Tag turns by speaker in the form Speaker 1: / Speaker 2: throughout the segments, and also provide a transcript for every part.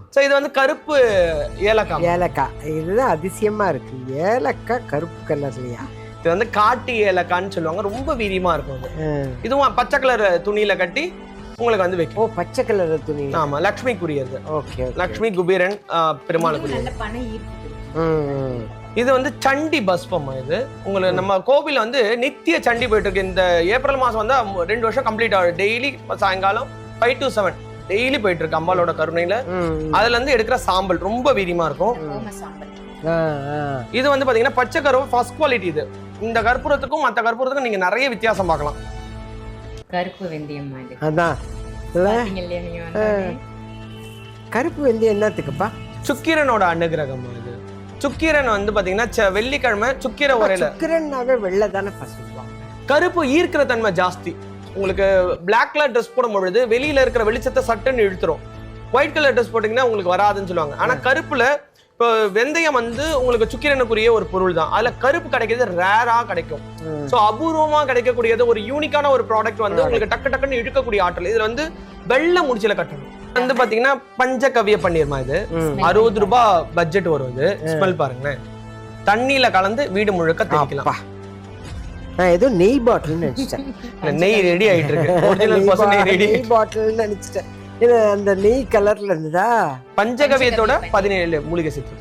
Speaker 1: So இது வந்து கருப்பு ஏலக்காய்.
Speaker 2: ஏலக்காய் இதுதான் அதிசயமா இருக்கு. ஏலக்காய் கருப்பு கலர்லையா?
Speaker 1: இது வந்து காட்டு ஏலக்கான்னு சொல்லுவாங்க. ரொம்ப வீரியமா இருக்கும் அது. இதுவும் பச்சை கலர் துணியில கட்டி உங்களுக்கு வந்து வைக்கும்.
Speaker 2: ஓ, பச்சை கலர் துணி.
Speaker 1: ஆமா, லக்ஷ்மிக்குரியது.
Speaker 2: ஓகே.
Speaker 1: லக்ஷ்மி, குபேரன், பெருமாளுக்குரியது. இது வந்து சண்டி பஸ்பம். இது உங்களுக்கு நம்ம கோவில் வந்து நித்திய சண்டி போயிட்டு இருக்கு. இந்த ஏப்ரல் மாசம் வந்து 2 வருஷம் கம்ப்ளீட் ஆகும். டெய்லி சாயங்காலம் 5 to 7 டெய்லி போயிட்டு இருக்கு அம்பாலோட கருணையில. அதுல இருந்து எடுக்கிற சாம்பல் ரொம்ப வீரியமா இருக்கும். இது வந்து பாத்தீங்கன்னா பச்சை கருப்பு ஃபர்ஸ்ட் குவாலிட்டி. இது இந்த கற்பூரத்துக்கும் மற்ற கற்பூரத்துக்கும் நீங்க நிறைய வித்தியாசம் பார்க்கலாம்.
Speaker 3: கருப்பு வெந்தயம்
Speaker 2: அதான் கருப்பு வெந்தயம் என்னத்துக்குப்பா?
Speaker 1: சுக்கிரனோட அனுகிரகம். இது சுக்கிரன் வந்து பாத்தீங்கன்னா வெள்ளிக்கிழமை சுக்கிர உரையில.
Speaker 2: சுக்கிரன்னாவே வெள்ளை தானே சொல்லுவாங்க.
Speaker 1: கருப்பு ஈர்க்கிற தன்மை ஜாஸ்தி. உங்களுக்கு பிளாக் கலர் ட்ரெஸ் போடும் பொழுது வெளியில இருக்கிற வெளிச்சத்தை சட்டுன்னு இழுத்துரும். ஒயிட் கலர் ட்ரெஸ் போட்டீங்கன்னா உங்களுக்கு வராதுன்னு சொல்லுவாங்க. ஆனா கருப்புல இப்போ வெந்தயம் வந்து உங்களுக்கு சுக்கிரனுக்குரிய ஒரு பொருள் தான். அதுல கருப்பு கிடைக்கிறது ரேரா கிடைக்கும். சோ அபூர்வமா கிடைக்கக்கூடியது ஒரு யூனிக்கான ஒரு ப்ராடக்ட் வந்து உங்களுக்கு டக்கு டக்குன்னு இழுக்கக்கூடிய ஆற்றல். இதுல வந்து வெள்ளை முடிச்சில கட்டணும். வந்து பாத்தீங்கன்னா பஞ்சகவிய பன்னீர்மா. இது 60 ரூபாய் பட்ஜெட் வரும். இது ஸ்மெல் பாருங்களேன். தண்ணியில கலந்து வீடு முழுக்க தேய்க்கலாம்.
Speaker 2: நான் ஏதோ நெய் பாட்டில் நினைச்சிட்டேன்.
Speaker 1: நெய் ரெடி ஆயிட்டு இருக்கு. ஒரிஜினல் பசு நெய் ரெடி.
Speaker 2: நெய் பாட்டில் நினைச்சிட்டேன். இது அந்த நெய் கலர்ல இருந்ததா?
Speaker 1: பஞ்சகவியத்தோட 17 மூலிகை சேர்த்து.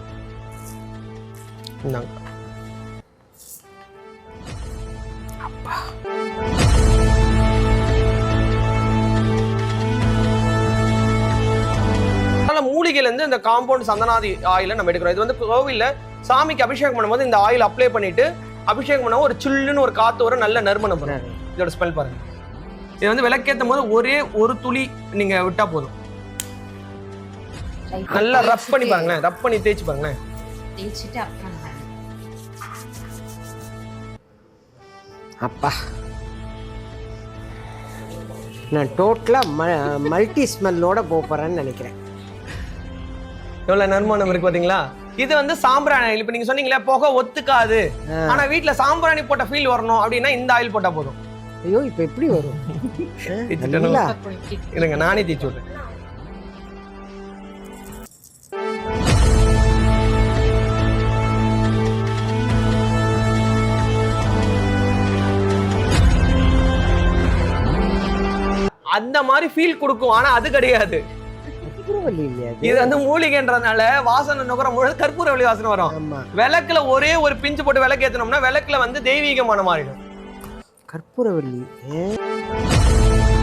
Speaker 1: மூலிகையில இருந்து இந்த காம்பவுண்ட் சந்தனாதி ஆயில நம்ம எடுக்கிறோம். இது வந்து கோவில்ல சாமிக்கு அபிஷேகம் பண்ணும்போது இந்த ஆயில் அப்ளை பண்ணிட்டு அபிஷேகம் பண்ண ஒரு சில்லுன்னு ஒரு காத்து வர நல்ல நறுமணம் வரும். இதோட ஸ்மெல் பாருங்க. இது வந்து விளக்கேற்றும் போது ஒரே ஒரு துளி நீங்க விட்டா போதும். நல்லா ரப் பண்ணி பாருங்களேன். ரப் பண்ணி தேய்ச்சி பாருங்களேன்.
Speaker 2: அப்பா, நான் டோட்டலா மல்டி ஸ்மெல்லோட போறேன்னு நினைக்கிறேன்.
Speaker 1: எவ்வளவு நறுமணம் இருக்கு பாத்தீங்களா? இது வந்து சாம்பிராணி. இப்ப நீங்க சொன்னீங்களா புகை ஒத்துக்காது, ஆனா வீட்டுல சாம்பிராணி போட்ட ஃபீல் வரணும் அப்படின்னா இந்த ஆயில் போட்டா போதும்.
Speaker 2: ஐயோ, இப்ப எப்படி வரும்?
Speaker 1: இருங்க, நானே தேய்ச்சி விடுறேன். அந்த மாதிரி ஃபீல் கொடுக்கும். ஆனா அது கிடையாது. இது வந்து மூலிகைன்றதுனால வாசனை நுகர முழு கற்பூரவள்ளி வாசனை வரும். விளக்குல ஒரே ஒரு பிஞ்சு போட்டு விளக்கு ஏத்தனோம்னா விளக்குல வந்து தெய்வீகமான மாறிடும்.
Speaker 2: கற்பூரவள்ளி